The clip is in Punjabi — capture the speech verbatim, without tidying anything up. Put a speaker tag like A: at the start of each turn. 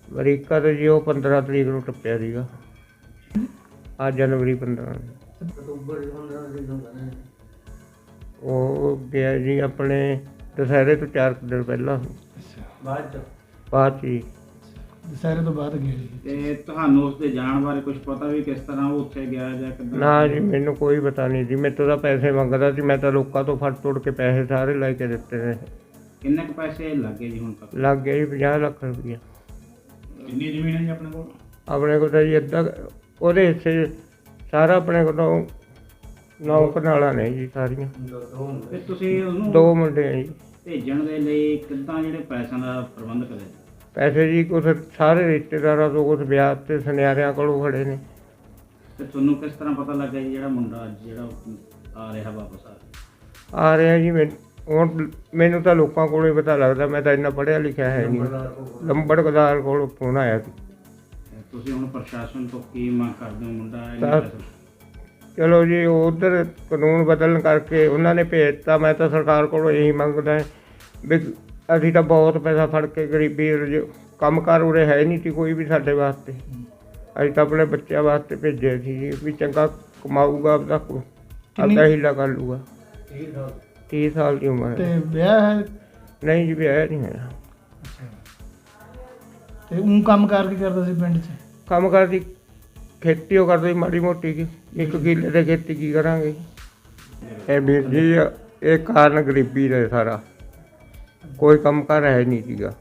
A: ਅਮਰੀਕਾ ਤੋਂ ਜੀ ਉਹ ਪੰਦਰਾਂ ਤਰੀਕ ਨੂੰ ਟੱਪਿਆ ਸੀਗਾ। ਅੱਜ ਜਨਵਰੀ ਪੰਦਰਾਂ ਉਹ ਗਿਆ ਜੀ ਆਪਣੇ ਦੁਸਹਿਰੇ ਤੋਂ ਚਾਰ ਕੁ ਦਿਨ ਪਹਿਲਾਂ। ਬਾਅਦ 'ਚ ਬਾਅਦ 'ਚ ਜੀ
B: ਦੁਸਹਿਰੇ ਤੋਂ ਬਾਅਦ ਗਿਆ ਜੀ।
C: ਤੇ ਤੁਹਾਨੂੰ ਉਸ ਦੇ ਜਾਣ ਬਾਰੇ ਕੁਝ ਪਤਾ ਵੀ ਕਿਸ ਤਰ੍ਹਾਂ ਉਹ ਉੱਥੇ ਗਿਆ ਜਾਂ ਕਿੱਦਾਂ?
A: ਨਾ ਜੀ ਮੈਨੂੰ ਕੋਈ ਪਤਾ ਨਹੀਂ ਜੀ। ਮੇਰੇ ਤੋਂ ਤਾਂ ਪੈਸੇ ਮੰਗਦਾ ਸੀ, ਮੈਂ ਤਾਂ ਲੋਕਾਂ ਤੋਂ ਫੜ ਤੋੜ ਕੇ ਪੈਸੇ ਸਾਰੇ ਲੈ ਕੇ ਦਿੱਤੇ ਨੇ।
C: ਕਿੰਨੇ ਕੁ ਪੈਸੇ ਲੱਗੇ ਜੀ ਹੁਣ ਤੱਕ?
A: ਲੱਗ ਗਿਆ ਜੀ ਪੰਜਾਹ ਲੱਖ ਰੁਪਈਆ।
C: ਕਿੰਨੀ ਜ਼ਮੀਨ ਹੈ ਜੀ ਆਪਣੇ ਕੋਲ?
A: ਆਪਣੇ ਕੋਲ ਤਾਂ ਜੀ ਅੱਧਾ ਉਹਦੇ ਹਿੱਸੇ ਸਾਰਾ ਆਪਣੇ ਕੋਲੋਂ ਨੌ ਕਨਾਲਾਂ ਨੇ ਜੀ ਸਾਰੀਆਂ।
C: ਤੇ ਤੁਸੀਂ ਉਹਨੂੰ
A: ਦੋ ਮੁੰਡੇ ਆ ਜੀ।
C: ਭੇਜਣ ਦੇ ਲਈ ਕਿੱਦਾਂ ਜਿਹੜੇ ਪੈਸਿਆਂ ਦਾ ਪ੍ਰਬੰਧ ਕਰਿਆ?
A: ਪੈਸੇ ਜੀ ਕੁਛ ਸਾਰੇ ਰਿਸ਼ਤੇਦਾਰਾਂ ਤੋਂ, ਕੁਛ ਵਿਆਹ ਤੇ ਸੁਨਿਆਰਿਆਂ ਕੋਲੋਂ ਖੜੇ ਨੇ।
C: ਤੇ ਤੁਹਾਨੂੰ ਕਿਸ ਤਰ੍ਹਾਂ ਪਤਾ ਲੱਗਾ ਜੀ ਜਿਹੜਾ ਮੁੰਡਾ ਅੱਜ ਜਿਹੜਾ ਆ ਰਿਹਾ ਵਾਪਸ ਆ ਰਿਹਾ?
A: ਆ ਰਿਹਾ ਜੀ। ਮੈਨੂੰ ਹੁਣ ਮੈਨੂੰ ਤਾਂ ਲੋਕਾਂ ਕੋਲੋਂ ਹੀ ਪਤਾ ਲੱਗਦਾ, ਮੈਂ ਤਾਂ ਇੰਨਾ ਪੜ੍ਹਿਆ ਲਿਖਿਆ ਹੈ ਨਹੀਂ। ਲੰਬੜਦਾਰ ਕੋਲੋਂ ਫੋਨ ਆਇਆ ਸੀ।
C: ਤੁਸੀਂ ਹੁਣ ਪ੍ਰਸ਼ਾਸਨ ਤੋਂ ਕੀ ਮੰਗ ਕਰਦੇ ਹੋ? ਮੁੰਡਾ
A: ਤਾਂ ਚਲੋ ਜੀ ਉਧਰ ਕਾਨੂੰਨ ਬਦਲਣ ਕਰਕੇ ਉਹਨਾਂ ਨੇ ਭੇਜਤਾ। ਮੈਂ ਤਾਂ ਸਰਕਾਰ ਕੋਲੋਂ ਇਹੀ ਮੰਗਦਾ ਵੀ ਅਸੀਂ ਤਾਂ ਬਹੁਤ ਪੈਸਾ ਫੜ ਕੇ ਗਰੀਬੀ ਕੰਮ ਕਾਰ ਉਰੇ ਹੈ ਨਹੀਂ ਸੀ ਕੋਈ ਵੀ ਸਾਡੇ ਵਾਸਤੇ। ਅਸੀਂ ਤਾਂ ਆਪਣੇ ਬੱਚਿਆਂ ਵਾਸਤੇ ਭੇਜਿਆ ਸੀ ਜੀ ਵੀ ਚੰਗਾ ਕਮਾਊਗਾ, ਆਪਦਾ ਆਪਦਾ ਹੀਲਾ ਕਰ ਲੂਗਾ। ਤੀਹ ਸਾਲ ਦੀ ਉਮਰ
B: ਤੇ
A: ਹੈ।
B: ਵਿਆਹ ਹੈ?
A: ਨਹੀਂ ਜੀ ਵਿਆਹ ਨਹੀਂ ਹੋਇਆ।
B: ਤੇ ਉਹ ਕੰਮ ਕਾਰ ਕੀ ਕਰਦਾ ਸੀ ਪਿੰਡ 'ਚ?
A: ਕੰਮ ਕਰਦੀ ਖੇਤੀ ਉਹ ਕਰਦੇ ਮਾੜੀ ਮੋਟੀ ਕੀ, ਇੱਕ ਕਿੱਲੇ ਦੇ ਖੇਤੀ ਕੀ ਕਰਾਂਗੇ। ਇਹ ਵੀਰ ਜੀ ਇਹ ਕਾਰਨ ਗਰੀਬੀ ਦਾ ਸਾਰਾ, ਕੋਈ ਕੰਮ ਕਾਰ ਹੈ ਨਹੀਂ ਸੀਗਾ।